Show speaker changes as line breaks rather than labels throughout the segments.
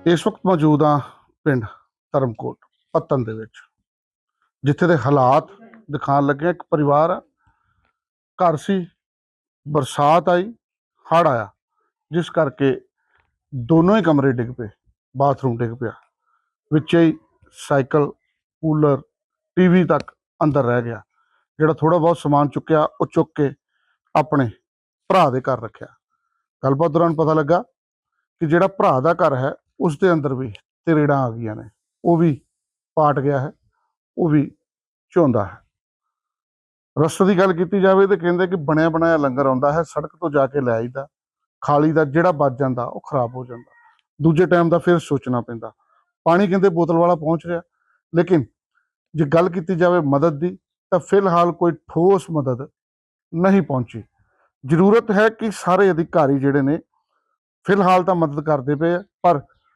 ਇਸ ਵਕਤ ਮੌਜੂਦ ਹਾਂ ਪਿੰਡ ਧਰਮਕੋਟ ਪੱਤਨ ਦੇ ਵਿੱਚ, ਜਿੱਥੇ ਦੇ ਹਾਲਾਤ ਦਿਖਾਉਣ ਲੱਗੇ। ਇੱਕ ਪਰਿਵਾਰ ਆ, ਘਰ ਸੀ, ਬਰਸਾਤ ਆਈ, ਹੜ੍ਹ ਆਇਆ, ਜਿਸ ਕਰਕੇ ਦੋਨੋਂ ਹੀ ਕਮਰੇ ਡਿੱਗ ਪਏ, ਬਾਥਰੂਮ ਡਿੱਗ ਪਿਆ, ਵਿੱਚ ਹੀ ਸਾਈਕਲ, ਕੂਲਰ, ਟੀਵੀ ਤੱਕ ਅੰਦਰ ਰਹਿ ਗਿਆ। ਜਿਹੜਾ ਥੋੜਾ ਬਹੁਤ ਸਮਾਨ ਚੁੱਕਿਆ ਉਹ ਚੁੱਕ ਕੇ ਆਪਣੇ ਭਰਾ ਦੇ ਘਰ ਰੱਖਿਆ। ਗੱਲਬਾਤ ਦੌਰਾਨ ਪਤਾ ਲੱਗਾ ਕਿ ਜਿਹੜਾ ਭਰਾ ਦਾ ਘਰ ਹੈ ਉਸ ਦੇ ਅੰਦਰ ਵੀ ਤਰੇੜਾਂ ਆ ਗਈਆਂ ਨੇ, ਉਹ ਵੀ ਪਾਟ ਗਿਆ ਹੈ, ਉਹ ਵੀ ਝੋਂਦਾ ਹੈ। ਰਸਤੇ ਦੀ ਗੱਲ ਕੀਤੀ ਜਾਵੇ ਤਾਂ ਕਹਿੰਦੇ ਕਿ ਬਣਿਆ ਬਣਾਇਆ ਲੰਗਰ ਆਉਂਦਾ ਹੈ, ਸੜਕ ਤੋਂ ਜਾ ਕੇ ਲੈ ਆਈਦਾ, ਖਾਲੀ ਦਾ ਜਿਹੜਾ ਬਚ ਜਾਂਦਾ ਉਹ ਖਰਾਬ ਹੋ ਜਾਂਦਾ, ਦੂਜੇ ਟਾਈਮ ਦਾ ਫਿਰ ਸੋਚਣਾ ਪੈਂਦਾ। ਪਾਣੀ ਕਹਿੰਦੇ ਬੋਤਲ ਵਾਲਾ ਪਹੁੰਚ ਰਿਹਾ, ਲੇਕਿਨ ਜੇ ਗੱਲ ਕੀਤੀ ਜਾਵੇ ਮਦਦ ਦੀ ਤਾਂ ਫਿਲਹਾਲ ਕੋਈ ਠੋਸ ਮਦਦ ਨਹੀਂ ਪਹੁੰਚੀ। ਜ਼ਰੂਰਤ ਹੈ ਕਿ ਸਾਰੇ ਅਧਿਕਾਰੀ ਜਿਹੜੇ ਨੇ ਫਿਲਹਾਲ ਤਾਂ ਮਦਦ ਕਰਦੇ ਪਏ ਆ, ਪਰ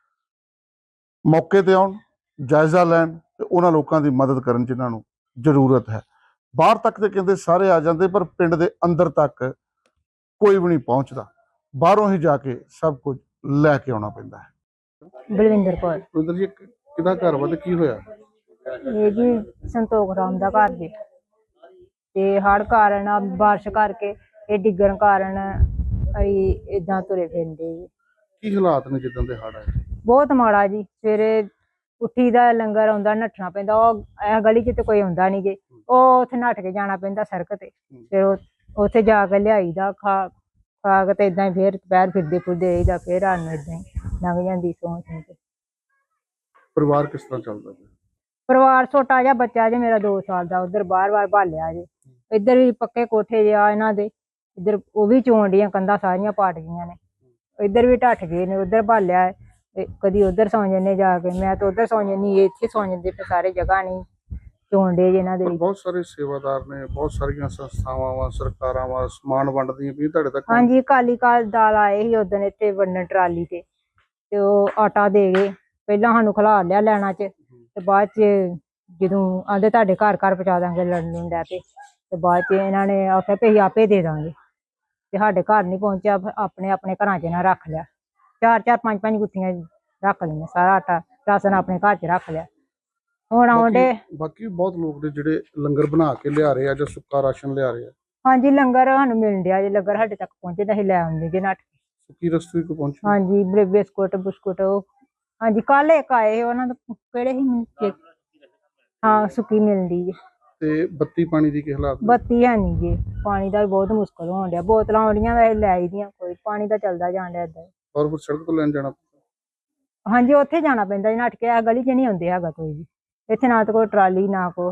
ਮੌਕੇ ਤੇ ਆਉਣ, ਜਾਇਜ਼ਾ ਲੈਣ ਤੇ ਉਹਨਾਂ ਲੋਕਾਂ ਦੀ ਮਦਦ ਕਰਨ ਜਿਨ੍ਹਾਂ ਨੂੰ ਜ਼ਰੂਰਤ ਹੈ। ਬਾਹਰ ਤੱਕ ਤੇ ਕਹਿੰਦੇ ਸਾਰੇ ਆ ਜਾਂਦੇ, ਪਰ ਪਿੰਡ ਦੇ ਅੰਦਰ ਤੱਕ ਕੋਈ ਵੀ ਨਹੀਂ ਪਹੁੰਚਦਾ, ਬਾਹਰੋਂ ਹੀ ਜਾ ਕੇ ਸਭ ਕੁਝ ਲੈ ਕੇ ਆਉਣਾ ਪੈਂਦਾ ਹੈ।
ਬਲਵਿੰਦਰ ਕੌਰ।
ਉਧਰ ਜੀ ਕਿਹਦਾ ਘਰ ਵਾ ਤੇ ਕੀ ਹੋਇਆ?
ਇਹ ਜੀ ਸੰਤੋਖ ਰਾਮ ਦਾ ਘਰ ਜੀ, ਤੇ ਹੜ੍ਹ ਕਾਰਨ ਬਾਰਿਸ਼ ਕਰਕੇ ਇਹ ਡਿੱਗਣ ਕਾਰਨ ਅਸੀਂ ਏਦਾਂ ਤੁਰੇ ਫਿਰਦੇ ਜੀ।
ਕੀ ਹਾਲਾਤ ਨੇ ਜਿੱਦਾਂ ਦੇ ਹੜ੍ਹ ਆਏ?
ਬਹੁਤ ਮਾੜਾ ਜੀ। ਸਵੇਰੇ ਉੱਠੀ ਦਾ ਲੰਗਰ ਆਉਂਦਾ, ਨੱਠਣਾ ਪੈਂਦਾ। ਉਹ ਇਹ ਗਲੀ 'ਚ ਤੇ ਕੋਈ ਆਉਂਦਾ ਨੀ ਗੇ, ਉਹ ਉੱਥੇ ਨੱਠ ਕੇ ਜਾਣਾ ਪੈਂਦਾ ਸੜਕ ਤੇ। ਫਿਰ ਉੱਥੇ ਜਾ ਕੇ ਲਿਆਈਦਾ, ਖਾ ਕੇ ਤੇ ਏਦਾਂ ਹੀ ਫਿਰ ਦੁਪਹਿਰ ਫਿਰਦੇ ਫੁਰਦੇ ਰਹੀਦਾ, ਫਿਰ ਰਾਤ ਨੂੰ ਏਦਾਂ ਹੀ ਲੰਘ ਜਾਂਦੀ ਸੌਂ ਕੇ।
ਪਰਿਵਾਰ ਕਿਸ ਤਰ੍ਹਾਂ ਚੱਲਦਾ ਪਿਆ?
ਪਰਿਵਾਰ ਛੋਟਾ ਜਿਹਾ ਬੱਚਾ ਜੇ ਮੇਰਾ 2 ਸਾਲ ਦਾ, ਉਧਰ ਬਾਰ-ਬਾਰ ਭਾਲਿਆ ਜੇ। ਇੱਧਰ ਵੀ ਪੱਕੇ ਕੋਠੇ ਜੇ ਆ ਇਹਨਾਂ ਦੇ, ਇੱਧਰ ਉਹ ਵੀ ਚੋਣ ਡੀਆਂ ਕੰਧਾਂ ਸਾਰੀਆਂ ਪਾਟ ਗਈਆਂ ਨੇ, ਇੱਧਰ ਵੀ ਢੱਠ ਗਏ ਨੇ, ਉੱਧਰ ਭਾਲਿਆ। ਕਦੀ ਉੱਧਰ ਸੌਂ ਜਾਂਦੇ ਜਾ ਕੇ, ਮੈਂ ਤਾਂ ਉੱਧਰ ਸੌਂ ਜਾਂਦੀ, ਇੱਥੇ ਸੌਂ ਜਾਂਦੇ, ਫਿਰ ਸਾਰੇ ਜਗ੍ਹਾ ਨਹੀਂ ਚੋਣ ਡੇ ਜੇ ਇਹਨਾਂ ਦੇ।
ਬਹੁਤ ਸਾਰੇ ਸੇਵਾਦਾਰ ਨੇ, ਬਹੁਤ ਸਾਰੀਆਂ ਸੰਸਥਾਵਾਂ ਵਾ, ਸਰਕਾਰਾਂ ਵਾ, ਸਮਾਨ ਵੰਡਦੀਆਂ ਵੀ ਤੁਹਾਡੇ ਤੱਕ?
ਹਾਂਜੀ, ਅਕਾਲੀ ਦਲ ਆਏ ਸੀ ਉਦੋਂ ਇੱਥੇ ਵੰਡਣ ਟਰਾਲੀ ਤੇ ਉਹ ਆਟਾ ਦੇ ਗਏ। ਪਹਿਲਾਂ ਸਾਨੂੰ ਖਿਲਾ ਲਿਆ ਲੈਣਾ 'ਚ, ਤੇ ਬਾਅਦ 'ਚ ਜਦੋਂ ਆਂਦੇ ਤੁਹਾਡੇ ਘਰ ਘਰ ਪਹੁੰਚਾ ਦਾਂਗੇ ਲੜਨ ਨੂੰ ਲੈ ਪਏ, ਤੇ ਬਾਅਦ 'ਚ ਇਹਨਾਂ ਨੇ ਆਖਿਆ ਵੀ ਅਸੀਂ ਆਪੇ ਦੇ ਦਾਂਗੇ, ਤੇ ਸਾਡੇ ਘਰ ਨਹੀਂ ਪਹੁੰਚਿਆ। ਆਪਣੇ ਆਪਣੇ ਘਰਾਂ 'ਚ ਇਹਨਾਂ ਰੱਖ ਲਿਆ, 4-4 5-5 ਗੁੱਥੀਆਂ ਰੱਖ ਲਈਆਂ, ਸਾਰਾ ਆਟਾ ਰਾਸ਼ਨ ਆਪਣੇ ਘਰ 'ਚ ਰੱਖ ਲਿਆ। ਹੁਣ ਆਉਂਦੇ
ਬਾਕੀ ਬਹੁਤ ਲੋਕ ਨੇ ਜਿਹੜੇ ਲੰਗਰ ਬਣਾ ਕੇ ਲਿਆ ਰਹੇ ਆ ਜਾਂ ਸੁੱਕਾ ਰਾਸ਼ਨ ਲਿਆ ਰਹੇ ਆ।
ਹਾਂਜੀ, ਲੰਗਰ ਸਾਨੂੰ ਮਿਲਣ ਡਿਆ ਜੇ, ਲੰਗਰ ਸਾਡੇ ਤੱਕ ਪਹੁੰਚਦਾ ਅਸੀਂ ਲੈ ਆਉਂਦੇ ਜੇ ਨੱਠ ਕੇ।
ਸੁੱਕੀ ਰਸਤੇ ਕੋ ਪਹੁੰਚੀ?
ਹਾਂਜੀ, ਬਿਸਕੁਟ ਬੁਸਕੁਟ ਉਹ ਹਾਂਜੀ ਕੱਲ ਇੱਕ ਆਏ ਉਹਨਾਂ ਦਾ, ਕਿਹੜੇ ਸੀ? ਹਾਂ, ਸੁੱਕੀ ਮਿਲਦੀ ਜੀ।
ਤੇ ਬੱਤੀ ਪਾਣੀ ਦੀ ਕੀ ਹਾਲਾਤ?
ਬੱਤੀ ਹੈ ਨੀ ਜੀ, ਪਾਣੀ ਦਾ ਵੀ ਬਹੁਤ ਮੁਸ਼ਕਲ ਹੋਣ ਡਿਆ। ਬੋਤਲਾਂ ਆਉਂਦੀਆਂ ਵੈਸੇ ਲੈ ਆਈ ਦੀਆਂ, ਕੋਈ ਪਾਣੀ ਦਾ ਚੱਲਦਾ ਜਾਣ ਡਿਆ ਏਦਾਂ।
ਔਰ ਫਿਰ ਸੜਕ ਤੋਂ ਲੈਣ ਜਾਣਾ?
ਹਾਂਜੀ, ਉੱਥੇ ਜਾਣਾ ਪੈਂਦਾ ਜੀ ਨੱਠ ਕੇ। ਆ ਗਲੀ 'ਚ ਨਹੀਂ ਆਉਂਦੇ ਹੈਗਾ ਕੋਈ ਵੀ, ਇੱਥੇ ਨਾ ਤਾਂ ਕੋਈ ਟਰਾਲੀ ਨਾ ਕੋ।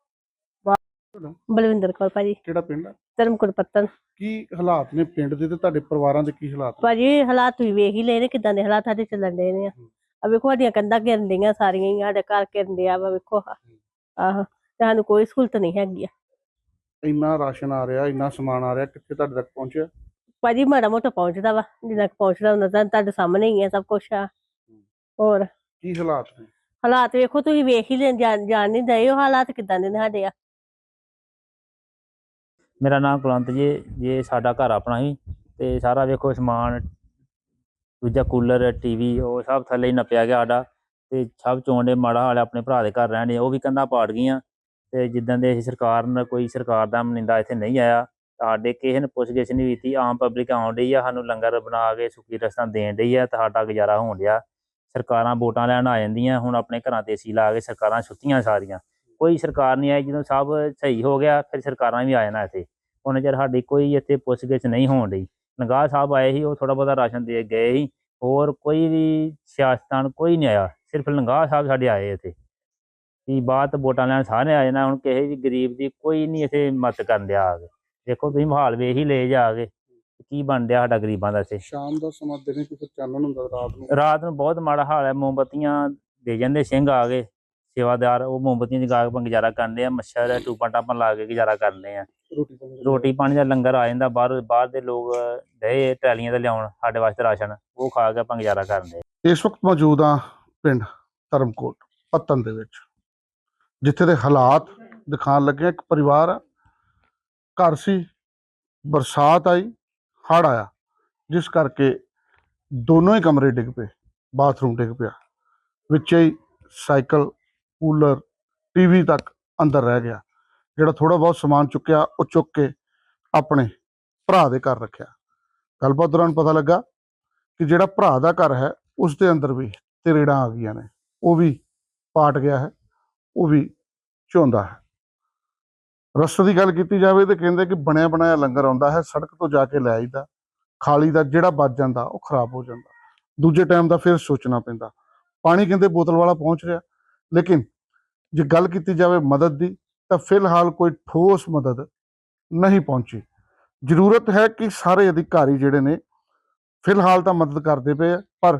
ਬਲਵਿੰਦਰ ਕੌਰ ਭਾਜੀ।
ਕਿਹੜਾ ਪਿੰਡ ਆ?
ਧਰਮਕੋਟ ਪੱਤਨ।
ਕੀ ਹਾਲਾਤ ਨੇ ਪਿੰਡ ਦੇ ਤੇ ਤੁਹਾਡੇ ਪਰਿਵਾਰਾਂ ਦੇ ਕੀ ਹਾਲਾਤ?
ਭਾਜੀ ਹਾਲਾਤ ਤੁਸੀਂ ਵੇਖ ਹੀ ਲਏ ਨੇ, ਕਿੱਦਾਂ ਦੇ ਹਾਲਾਤ ਸਾਡੇ ਚੱਲਣ ਡੇ ਨੇ। ਆ ਵੇਖੋ ਸਾਡੀਆਂ ਕੰਧਾਂ ਘਿਰਨ ਡੀਆਂ ਸਾਰੀਆਂ ਹੀ, ਸਾਡੇ ਘਰ ਘਿਰਨ ਡਿਆ ਵਾ ਵੇਖੋ। ਆਹੋ, ਤੇ ਸਾਨੂੰ ਕੋਈ ਸਹੂਲਤ ਨਹੀਂ ਹੈਗੀ ਆ।
ਇੰਨਾ ਰਾਸ਼ਨ ਆ ਰਿਹਾ, ਇੰਨਾ ਸਮਾਨ ਆ ਰਿਹਾ, ਕਿੱਥੇ ਤੁਹਾਡੇ ਤੱਕ ਪਹੁੰਚਿਆ?
ਭਾਜੀ ਮਾੜਾ ਮੋਟਾ ਪਹੁੰਚਦਾ ਵਾ, ਜਿੰਨਾ ਕੁ ਪਹੁੰਚਦਾ ਹੁੰਦਾ ਤਾਂ ਤੁਹਾਡੇ ਸਾਹਮਣੇ ਹੀ ਆ ਸਭ ਕੁਛ ਆ। ਹੋਰ
ਕੀ ਹਾਲਾਤ ਨੇ?
ਹਾਲਾਤ ਵੇਖੋ, ਤੁਸੀਂ ਵੇਖ ਹੀ ਲੈ, ਜਾਣ ਨਹੀਂ ਦਏ ਉਹ ਹਾਲਾਤ ਕਿੱਦਾਂ ਦੇ ਨੇ ਸਾਡੇ ਆ।
ਮੇਰਾ ਨਾਮ ਕੁਲਵੰਤ ਜੀ। ਜੇ ਸਾਡਾ ਘਰ ਆਪਣਾ ਹੀ, ਤੇ ਸਾਰਾ ਵੇਖੋ ਸਮਾਨ, ਦੂਜਾ ਕੂਲਰ, ਟੀਵੀ, ਉਹ ਸਭ ਥੱਲੇ ਹੀ ਨੱਪਿਆ ਗਿਆ ਸਾਡਾ। ਤੇ ਸਭ ਚੋਣ ਦੇ ਮਾੜਾ ਹਾਲ। ਆਪਣੇ ਭਰਾ ਦੇ ਘਰ ਰਹਿਣੇ, ਉਹ ਵੀ ਕੰਧਾਂ ਪਾੜ ਗਈਆਂ। ਤੇ ਜਿੱਦਾਂ ਦੇ ਕੋਈ ਸਰਕਾਰ ਦਾ ਨੁਮਾਇੰਦਾ ਇੱਥੇ ਨਹੀਂ ਆਇਆ, ਸਾਡੇ ਕਿਸੇ ਨੇ ਪੁੱਛ ਗਿੱਛ ਨਹੀਂ ਕੀਤੀ। ਆਮ ਪਬਲਿਕ ਆਉਣ ਡਈ ਆ, ਸਾਨੂੰ ਲੰਗਰ ਬਣਾ ਕੇ ਸੁੱਕੀ ਰਸਤਾਂ ਦੇਣ ਡਈ ਆ, ਤੇ ਸਾਡਾ ਗੁਜ਼ਾਰਾ ਹੋਣ ਡਿਆ। ਸਰਕਾਰਾਂ ਵੋਟਾਂ ਲੈਣ ਆ ਜਾਂਦੀਆਂ, ਹੁਣ ਆਪਣੇ ਘਰਾਂ ਤੇ ਏਸੀ ਲਾ ਕੇ ਸਰਕਾਰਾਂ ਸੁੱਤੀਆਂ ਸਾਰੀਆਂ, ਕੋਈ ਸਰਕਾਰ ਨਹੀਂ ਆਈ। ਜਦੋਂ ਸਭ ਸਹੀ ਹੋ ਗਿਆ ਫਿਰ ਸਰਕਾਰਾਂ ਵੀ ਆ ਜਾਣਾ ਇੱਥੇ। ਉਹਨਾਂ ਚਿਰ ਸਾਡੀ ਕੋਈ ਇੱਥੇ ਪੁੱਛ ਗਿੱਛ ਨਹੀਂ ਹੋਣ ਡਈ। ਲੰਗਾਹ ਸਾਹਿਬ ਆਏ ਸੀ, ਉਹ ਥੋੜ੍ਹਾ ਬਹੁਤਾ ਰਾਸ਼ਨ ਦੇ ਗਏ ਸੀ, ਹੋਰ ਕੋਈ ਵੀ ਸਿਆਸਤਦਾਨ ਕੋਈ ਨਹੀਂ ਆਇਆ, ਸਿਰਫ ਲੰਗਾਹ ਸਾਹਿਬ ਸਾਡੇ ਆਏ ਇੱਥੇ। ਕੀ ਬਾਤ, ਵੋਟਾਂ ਲੈਣ ਸਾਰੇ ਆ ਜਾਣਾ, ਹੁਣ ਕਿਸੇ ਵੀ ਗਰੀਬ ਦੀ ਕੋਈ ਨਹੀਂ ਇੱਥੇ ਮਦਦ ਕਰਨ ਡਿਆ ਆ ਕੇ। ਦੇਖੋ ਤੁਸੀਂ ਮਾਹੌਲ ਵੇਖ ਹੀ ਲਏ ਜਾ ਕੇ, ਕੀ ਬਣ ਡਿਆ ਸਾਡਾ ਗਰੀਬਾਂ ਦਾ ਇੱਥੇ।
ਸ਼ਾਮ ਦਾ ਸਮਾਂ ਦਿਨੇ ਕਿਤੇ ਚਾਨਣ ਹੁੰਦਾ,
ਰਾਤ ਨੂੰ ਬਹੁਤ ਮਾੜਾ ਹਾਲ ਹੈ। ਮੋਮਬੱਤੀਆਂ ਦੇ ਜਾਂਦੇ ਸਿੰਘ ਆ ਗਏ ਸੇਵਾਦਾਰ, ਉਹ ਮੋਮਬੱਤੀਆਂ ਜਗਾ ਕੇ ਆਪਾਂ ਗੁਜ਼ਾਰਾ ਕਰਦੇ ਆ। ਮੱਛਰ ਟੂਪਾਂ ਟਾਪਾਂ ਲਾ ਕੇ ਗੁਜ਼ਾਰਾ ਕਰਦੇ ਆ। ਰੋਟੀ ਪਾਣੀ ਦਾ ਲੰਗਰ ਆ ਜਾਂਦਾ, ਬਾਹਰ ਦੇ ਲੋਕ ਡਏ ਟਰਾਲੀਆਂ ਤੇ ਲਿਆਉਣ ਸਾਡੇ ਵਾਸਤੇ ਰਾਸ਼ਨ, ਉਹ ਖਾ ਕੇ ਆਪਾਂ ਗੁਜ਼ਾਰਾ ਕਰਦੇ।
ਇਸ ਵਕਤ ਮੌਜੂਦ ਹਾਂ ਪਿੰਡ ਧਰਮਕੋਟ ਪੱਤਨ ਦੇ ਵਿੱਚ, ਜਿੱਥੇ ਦੇ ਹਾਲਾਤ ਦਿਖਾਉਣ ਲੱਗੇ। ਇੱਕ ਪਰਿਵਾਰ ਆ, ਘਰ ਸੀ, ਬਰਸਾਤ ਆਈ, ਹੜ੍ਹ ਆਇਆ, ਜਿਸ ਕਰਕੇ ਦੋਨੋਂ ਹੀ ਕਮਰੇ ਡਿੱਗ ਪਏ, ਬਾਥਰੂਮ ਡਿੱਗ ਪਿਆ, ਵਿੱਚੇ ਹੀ ਸਾਈਕਲ, ਕੂਲਰ, ਟੀਵੀ ਤੱਕ ਅੰਦਰ ਰਹਿ ਗਿਆ। ਜਿਹੜਾ ਥੋੜਾ ਬਹੁਤ ਸਮਾਨ ਚੁੱਕਿਆ ਉਹ ਚੁੱਕ ਕੇ ਆਪਣੇ ਭਰਾ ਦੇ ਘਰ ਰੱਖਿਆ। ਗੱਲਬਾਤ ਦੌਰਾਨ ਪਤਾ ਲੱਗਾ ਕਿ ਜਿਹੜਾ ਭਰਾ ਦਾ ਘਰ ਹੈ ਉਸ ਦੇ ਅੰਦਰ ਵੀ ਤਰੇੜਾਂ ਆ ਗਈਆਂ ਨੇ, ਉਹ ਵੀ ਪਾਟ ਗਿਆ ਹੈ, ਉਹ ਵੀ ਝੋਂਦਾ ਹੈ। ਰਸਤੇ ਦੀ ਗੱਲ ਕੀਤੀ ਜਾਵੇ ਤਾਂ ਕਹਿੰਦੇ ਕਿ ਬਣਿਆ ਬਣਾਇਆ ਲੰਗਰ ਆਉਂਦਾ ਹੈ, ਸੜਕ ਤੋਂ ਜਾ ਕੇ ਲੈ ਆਈਦਾ, ਖਾਲੀ ਦਾ ਜਿਹੜਾ ਬਚ ਜਾਂਦਾ ਉਹ ਖਰਾਬ ਹੋ ਜਾਂਦਾ, ਦੂਜੇ ਟਾਈਮ ਦਾ ਫਿਰ ਸੋਚਣਾ ਪੈਂਦਾ। ਪਾਣੀ ਕਹਿੰਦੇ ਬੋਤਲ ਵਾਲਾ ਪਹੁੰਚ ਰਿਹਾ, ਲੇਕਿਨ ਜੇ ਗੱਲ ਕੀਤੀ ਜਾਵੇ ਮਦਦ ਦੀ ਤਾਂ ਫਿਲਹਾਲ ਕੋਈ ਠੋਸ ਮਦਦ ਨਹੀਂ ਪਹੁੰਚੀ। ਜ਼ਰੂਰਤ ਹੈ ਕਿ ਸਾਰੇ ਅਧਿਕਾਰੀ ਜਿਹੜੇ ਨੇ ਫਿਲਹਾਲ ਤਾਂ ਮਦਦ ਕਰਦੇ ਪਏ ਆ, ਪਰ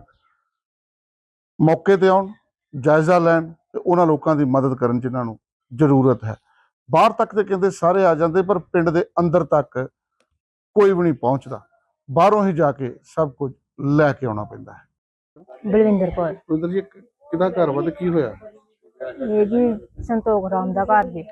ਮੌਕੇ ਤੇ ਆਉਣ, ਜਾਇਜ਼ਾ ਲੈਣ ਤੇ ਉਹਨਾਂ ਲੋਕਾਂ ਦੀ ਮਦਦ ਕਰਨ ਜਿਨ੍ਹਾਂ ਨੂੰ ਜ਼ਰੂਰਤ ਹੈ। ਬਾਹਰ ਤੱਕ ਤੇ ਕਹਿੰਦੇ ਸਾਰੇ ਆ ਜਾਂਦੇ, ਪਰ ਪਿੰਡ ਦੇ ਅੰਦਰ ਤੱਕ ਕੋਈ ਵੀ ਨਹੀਂ ਪਹੁੰਚਦਾ, ਬਾਹਰੋਂ ਹੀ ਜਾ ਕੇ ਸਭ ਕੁਝ ਲੈ ਕੇ ਆਉਣਾ ਪੈਂਦਾ ਹੈ।
ਬਲਵਿੰਦਰ ਕੌਰ।
ਬਲਵਿੰਦਰ ਜੀ, ਕਿਹਦਾ ਘਰ ਵਾ ਤੇ ਕੀ ਹੋਇਆ?
ਇਹ ਜੀ ਸੰਤੋਖ ਰਾਮ ਦਾ ਘਰ ਜੀ,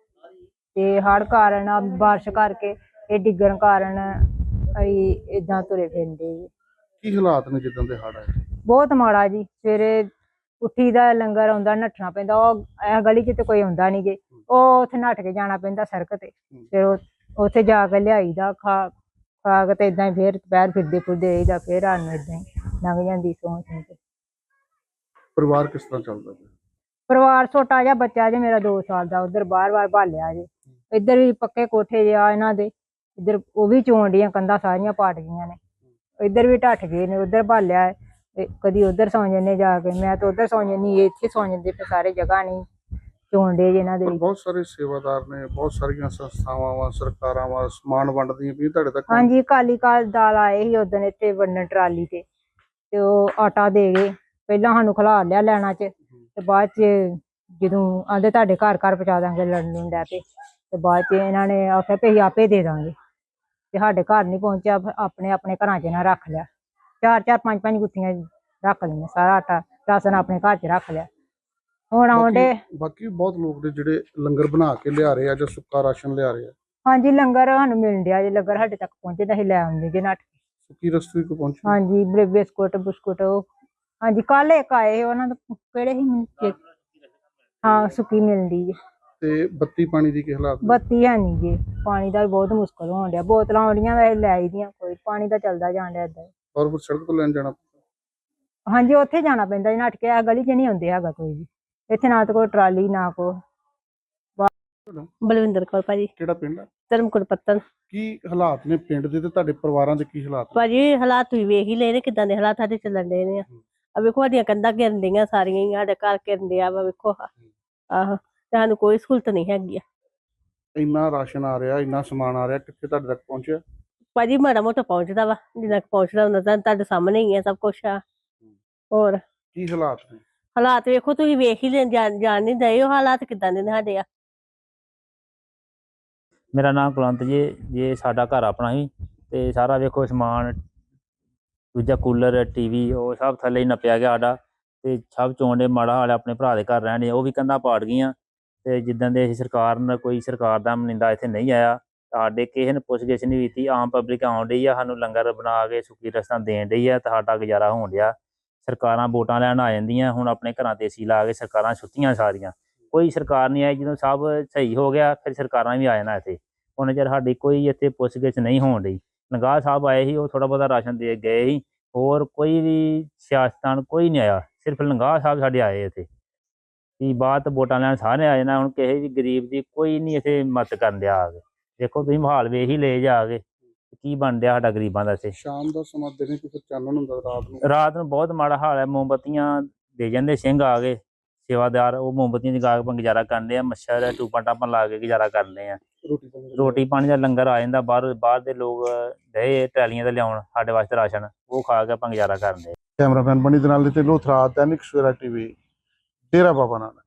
ਤੇ ਹੜ੍ਹ ਕਾਰਨ ਬਾਰਿਸ਼ ਕਰਕੇ ਇਹ ਡਿੱਗਣ ਕਾਰਨ ਅਸੀਂ ਏਦਾਂ ਤੁਰੇ ਫਿਰਦੇ ਜੀ।
ਕੀ ਹਾਲਾਤ ਨੇ ਜਿੱਦਾਂ ਦੇ ਹੜ੍ਹ ਆਏ?
ਬਹੁਤ ਮਾੜਾ ਜੀ। ਸਵੇਰੇ ਉੱਠੀ ਦਾ ਲੰਗਰ ਆਉਂਦਾ, ਨੱਠਣਾ ਪੈਂਦਾ, ਉਹ ਇਹ ਗਲੀ 'ਚ ਤੇ ਕੋਈ ਆਉਂਦਾ ਨਹੀਂ ਗੇ, ਉਹ ਉੱਥੇ ਨੱਠ ਕੇ ਜਾਣਾ ਪੈਂਦਾ ਸੜਕ ਤੇ, ਫਿਰ ਉੱਥੇ ਜਾ ਕੇ ਲਿਆਈਦਾ, ਖਾ ਕੇ ਤੇ ਏਦਾਂ ਹੀ ਫਿਰ ਦੁਪਹਿਰ ਫਿਰਦੇ ਆਈਦਾ, ਫਿਰ ਰਾਤ ਨੂੰ ਏਦਾਂ ਹੀ ਲੰਘ ਜਾਂਦੀ ਸੌਂ ਕੇ।
ਪਰਿਵਾਰ ਕਿਸ ਤਰ੍ਹਾਂ ਚੱਲਦਾ ਪਿਆ?
ਪਰਿਵਾਰ ਛੋਟਾ ਜਿਹਾ ਬੱਚਾ ਜੇ ਮੇਰਾ 2 ਸਾਲ ਦਾ, ਉਧਰ ਬਾਰ-ਬਾਰ ਭਾਲਿਆ ਜੇ। ਇੱਧਰ ਵੀ ਪੱਕੇ ਕੋਠੇ ਜੇ ਆ ਇਹਨਾਂ ਦੇ, ਇੱਧਰ ਉਹ ਵੀ ਚੋਣ ਡੀਆਂ ਕੰਧਾਂ ਸਾਰੀਆਂ ਪਾਟ ਗਈਆਂ ਨੇ, ਇੱਧਰ ਵੀ ਢੱਠ ਗਏ ਨੇ, ਉਧਰ ਭਾਲਿਆ, ਕਦੀ ਉਧਰ ਸੌਂ ਜਾਂਦੇ ਜਾ ਕੇ, ਮੈਂ ਤਾਂ ਉਧਰ ਸੌਂ ਜਾਂਦੀ, ਇੱਥੇ ਸੌਂ ਜਾਂਦੇ, ਫਿਰ ਸਾਰੇ ਜਗ੍ਹਾ ਨਹੀਂ ਚੋਣ ਡੇ ਇਹਨਾਂ ਦੇ।
ਬਹੁਤ ਸਾਰੇ ਸੇਵਾਦਾਰ ਨੇ, ਬਹੁਤ ਸਾਰੀਆਂ ਸੰਸਥਾਵਾਂ ਵਾ, ਸਰਕਾਰਾਂ ਵਾ, ਸਮਾਨ ਵੰਡਦੀਆਂ ਵੀ ਤੁਹਾਡੇ ਤੱਕ?
ਹਾਂਜੀ, ਅਕਾਲੀ ਦਲ ਆਏ ਸੀ ਉਦਣ ਇੱਥੇ ਵੰਡਣ ਟਰਾਲੀ ਤੇ ਉਹ ਆਟਾ ਦੇ ਗਏ। ਪਹਿਲਾਂ ਸਾਨੂੰ ਖਿਲਾ ਲਿਆ ਲੈਣਾ 'ਚ, ਤੇ ਬਾਅਦ 'ਚ ਜਦੋਂ ਆਂਦੇ ਤੁਹਾਡੇ ਘਰ ਘਰ ਪਹੁੰਚਾ ਦਾਂਗੇ ਲੜਨ ਨੂੰ ਡੈ ਪਏ, ਤੇ ਬਾਅਦ 'ਚ ਇਹਨਾਂ ਨੇ ਆਖਿਆ ਵੀ ਅਸੀਂ ਆਪੇ ਦੇ ਦਾਂਗੇ, ਤੇ ਸਾਡੇ ਘਰ ਨਹੀਂ ਪਹੁੰਚਿਆ। ਆਪਣੇ ਆਪਣੇ ਘਰਾਂ 'ਚ ਨਾ ਰੱਖ ਲਿਆ, 4-4 5-5 ਗੁੱਥੀਆਂ ਰੱਖ ਲਈਆਂ, ਸਾਰਾ ਆਟਾ ਰਾਸ਼ਨ ਆਪਣੇ ਘਰ 'ਚ ਰੱਖ ਲਿਆ। ਹੁਣ ਆਉਂਦੇ
ਬਾਕੀ ਬਹੁਤ ਲੋਕ ਨੇ ਜਿਹੜੇ ਲੰਗਰ ਬਣਾ ਕੇ ਲਿਆ ਰਹੇ ਆ ਜਾਂ ਸੁੱਕਾ ਰਾਸ਼ਨ ਲਿਆ ਰਹੇ ਆ।
ਹਾਂਜੀ, ਲੰਗਰ ਸਾਨੂੰ ਮਿਲਣ ਡਿਆ ਜੀ, ਲੰਗਰ ਸਾਡੇ ਤੱਕ ਪਹੁੰਚੇ ਤਾਂ ਅਸੀਂ ਲੈ ਆਉਂਦੇ ਜੇ ਨੱਠ।
ਸੁੱਕੀ ਰਸਤੇ ਕੋ ਪਹੁੰਚੀ?
ਹਾਂਜੀ, ਬਿਸਕੁਟ ਬੁਸਕੁਟ, ਉਹ ਹਾਂਜੀ ਕੱਲ ਇੱਕ ਆਏ, ਉਹਨਾਂ ਦਾ ਕਿਹੜੇ ਸੀ, ਹਾਂ ਸੁੱਕੀ ਮਿਲਦੀ ਜੀ।
ਤੇ ਬੱਤੀ ਪਾਣੀ ਦੀ ਕੀ ਹਾਲਾਤ?
ਬੱਤੀ ਹੈ ਨੀ ਜੀ, ਪਾਣੀ ਦਾ ਵੀ ਬਹੁਤ ਮੁਸ਼ਕਲ ਹੋਣ ਡਿਆ, ਬੋਤਲਾਂ ਆਉਂਦੀਆਂ ਵੈਸੇ ਲੈ ਆਈ ਦੀਆਂ, ਕੋਈ ਪਾਣੀ ਦਾ ਚੱਲਦਾ ਜਾਣ ਡਿਆ ਏਦਾਂ।
ਔਰ ਫਿਰ ਸੜਕ ਤੋਂ ਲੈਣ ਜਾਣਾ?
ਹਾਂਜੀ, ਉੱਥੇ ਜਾਣਾ ਪੈਂਦਾ ਜੀ ਨੱਠ ਕੇ, ਆ ਗਲੀ 'ਚ ਨਹੀਂ ਆਉਂਦੇ ਹੈਗਾ ਕੋਈ ਵੀ, ਇੱਥੇ ਨਾ ਤਾਂ ਕੋਈ ਟਰਾਲੀ ਨਾ ਕੋ।
ਬਲਵਿੰਦਰ ਕੌਰ ਭਾਜੀ।
ਕਿਹੜਾ ਪਿੰਡ ਆ?
ਧਰਮਕੋਟ ਪੱਤਨ।
ਕੀ ਹਾਲਾਤ ਨੇ ਪਿੰਡ ਦੇ ਤੇ ਤੁਹਾਡੇ ਪਰਿਵਾਰਾਂ ਦੇ ਕੀ ਹਾਲਾਤ ਨੇ?
ਭਾਜੀ ਹਾਲਾਤ ਤੁਸੀਂ ਵੇਖ ਹੀ ਲਏ ਨੇ, ਕਿੱਦਾਂ ਦੇ ਹਾਲਾਤ ਸਾਡੇ ਚੱਲਣ ਦੇ ਨੇ। ਆ ਵੇਖੋ ਸਾਡੀਆਂ ਕੰਧਾਂ ਘਿਰਨ ਡੀਆਂ ਸਾਰੀਆਂ ਹੀ, ਸਾਡੇ ਘਰ ਘਿਰਨ ਡਿਆ ਵਾ, ਵੇਖੋ ਆਹੋ, ਤੇ ਸਾਨੂੰ ਕੋਈ ਸਹੂਲਤ ਨਹੀਂ ਹੈਗੀ ਆ।
ਇੰਨਾ ਰਾਸ਼ਨ ਆ ਰਿਹਾ, ਇੰਨਾ ਸਮਾਨ ਆ ਰਿਹਾ, ਕਿੱਥੇ ਤੁਹਾਡੇ ਤੱਕ ਪਹੁੰਚਿਆ?
ਭਾਜੀ ਮਾੜਾ ਮੋਟਾ ਪਹੁੰਚਦਾ ਵਾ, ਜਿੰਨਾ ਕੁ ਪਹੁੰਚਦਾ ਹੁੰਦਾ ਤਾਂ ਤੁਹਾਡੇ ਸਾਹਮਣੇ ਹੀ ਆ ਸਭ ਕੁਛ ਆ। ਹੋਰ
ਕੀ ਹਾਲਾਤ ਨੇ?
ਹਾਲਾਤ ਵੇਖੋ ਤੁਸੀਂ ਵੇਖ ਹੀ ਲੈ, ਜਾਣ ਨਹੀਂ ਦਏ ਉਹ ਹਾਲਾਤ ਕਿੱਦਾਂ ਦੇ ਨੇ ਸਾਡੇ ਆ।
ਮੇਰਾ ਨਾਮ ਕੁਲਵੰਤ ਜੀ। ਜੇ ਸਾਡਾ ਘਰ ਆਪਣਾ ਸੀ ਤੇ ਸਾਰਾ ਵੇਖੋ ਸਮਾਨ, ਦੂਜਾ ਕੂਲਰ, ਟੀਵੀ, ਉਹ ਸਭ ਥੱਲੇ ਹੀ ਨੱਪਿਆ ਗਿਆ ਸਾਡਾ, ਤੇ ਸਭ ਚੋਣ ਦੇ ਮਾੜਾ ਹਾਲ ਆਪਣੇ ਭਰਾ ਦੇ ਘਰ ਰਹਿਣ, ਉਹ ਵੀ ਕੰਧਾਂ ਪਾੜ ਗਈਆਂ। ਤੇ ਜਿੱਦਾਂ ਦੇ ਅਸੀਂ ਕੋਈ ਸਰਕਾਰ ਦਾ ਨੁਮਾਇੰਦਾ ਇੱਥੇ ਨਹੀਂ ਆਇਆ, ਸਾਡੇ ਕਿਸੇ ਨੇ ਪੁੱਛ ਗਿੱਛ ਨਹੀਂ ਕੀਤੀ, ਆਮ ਪਬਲਿਕ ਆਉਣ ਡਈ ਆ, ਸਾਨੂੰ ਲੰਗਰ ਬਣਾ ਕੇ ਸੁੱਕੀ ਰਸਤਾਂ ਦੇਣ ਡਈ ਆ, ਤੇ ਸਾਡਾ ਗੁਜ਼ਾਰਾ ਹੋਣ ਡਿਆ। ਸਰਕਾਰਾਂ ਵੋਟਾਂ ਲੈਣ ਆ ਜਾਂਦੀਆਂ, ਹੁਣ ਆਪਣੇ ਘਰਾਂ ਤੇ ਏਸੀ ਲਾ ਕੇ ਸਰਕਾਰਾਂ ਸੁੱਤੀਆਂ ਸਾਰੀਆਂ, ਕੋਈ ਸਰਕਾਰ ਨਹੀਂ ਆਈ। ਜਦੋਂ ਸਭ ਸਹੀ ਹੋ ਗਿਆ ਫਿਰ ਸਰਕਾਰਾਂ ਵੀ ਆ ਜਾਣਾ ਇੱਥੇ, ਹੁਣ ਚਿਰ ਸਾਡੀ ਕੋਈ ਇੱਥੇ ਪੁੱਛ ਗਿੱਛ ਨਹੀਂ ਹੋਣ ਡਈ। ਨਗਾਹ ਸਾਹਿਬ ਆਏ ਸੀ, ਉਹ ਥੋੜ੍ਹਾ ਬਹੁਤਾ ਰਾਸ਼ਨ ਦੇ ਗਏ ਸੀ, ਹੋਰ ਕੋਈ ਵੀ ਸਿਆਸਤਦਾਨ ਕੋਈ ਨਹੀਂ ਆਇਆ, ਸਿਰਫ ਨਗਾਹ ਸਾਹਿਬ ਸਾਡੇ ਆਏ ਇੱਥੇ। ਕੀ ਬਾਤ, ਵੋਟਾਂ ਲੈਣ ਸਾਰੇ ਆ ਜਾਣਾ, ਹੁਣ ਕਿਸੇ ਵੀ ਗਰੀਬ ਦੀ ਕੋਈ ਨਹੀਂ ਇੱਥੇ ਮਦਦ ਕਰਨ ਡਿਆ ਆ ਕੇ। ਦੇਖੋ ਤੁਸੀਂ ਮਾਹੌਲ ਵੇਖ ਹੀ ਲੈ ਜਾ ਕੇ ਕੀ ਬਣ ਡਿਆ ਸਾਡਾ ਗਰੀਬਾਂ ਦਾ ਇੱਥੇ।
ਸ਼ਾਮ ਦਾ ਸਮਾਂ ਦਿਨੇ ਕਿ ਫਿਰ ਚਾਨਣ ਹੁੰਦਾ
ਰਾਤ ਨੂੰ ਬਹੁਤ ਮਾੜਾ ਹਾਲ ਹੈ। ਮੋਮਬੱਤੀਆਂ ਦੇ ਜਾਂਦੇ ਸਿੰਘ ਆ ਗਏ ਸੇਵਾਦਾਰ, ਉਹ ਮੋਮਬੱਤੀਆਂ ਜਗਾ ਕੇ ਆਪਾਂ ਗੁਜ਼ਾਰਾ ਕਰਦੇ ਆ, ਮੱਛਰ ਟੂਪਾਂ ਟਾਪਾਂ ਲਾ ਕੇ ਗੁਜ਼ਾਰਾ ਕਰਦੇ ਆ। ਰੋਟੀ ਪਾਣੀ ਦਾ ਲੰਗਰ ਆ ਜਾਂਦਾ, ਬਾਹਰ ਦੇ ਲੋਕ ਡਏ ਟਰਾਲੀਆਂ ਤੇ ਲਿਆਉਣ ਸਾਡੇ ਵਾਸਤੇ ਰਾਸ਼ਨ, ਉਹ ਖਾ ਕੇ ਆਪਾਂ ਗੁਜ਼ਾਰਾ ਕਰਦੇ।
ਕੈਮਰਾਮੈਨ ਬਣੀ ਦੇ ਨਾਲ ਤੇ ਲੋਥਰਾ, ਦੈਨਿਕ ਸਵੇਰਾ ਟੀਵੀ, ਡੇਰਾ ਬਾਬਾ ਨਾਨਕ।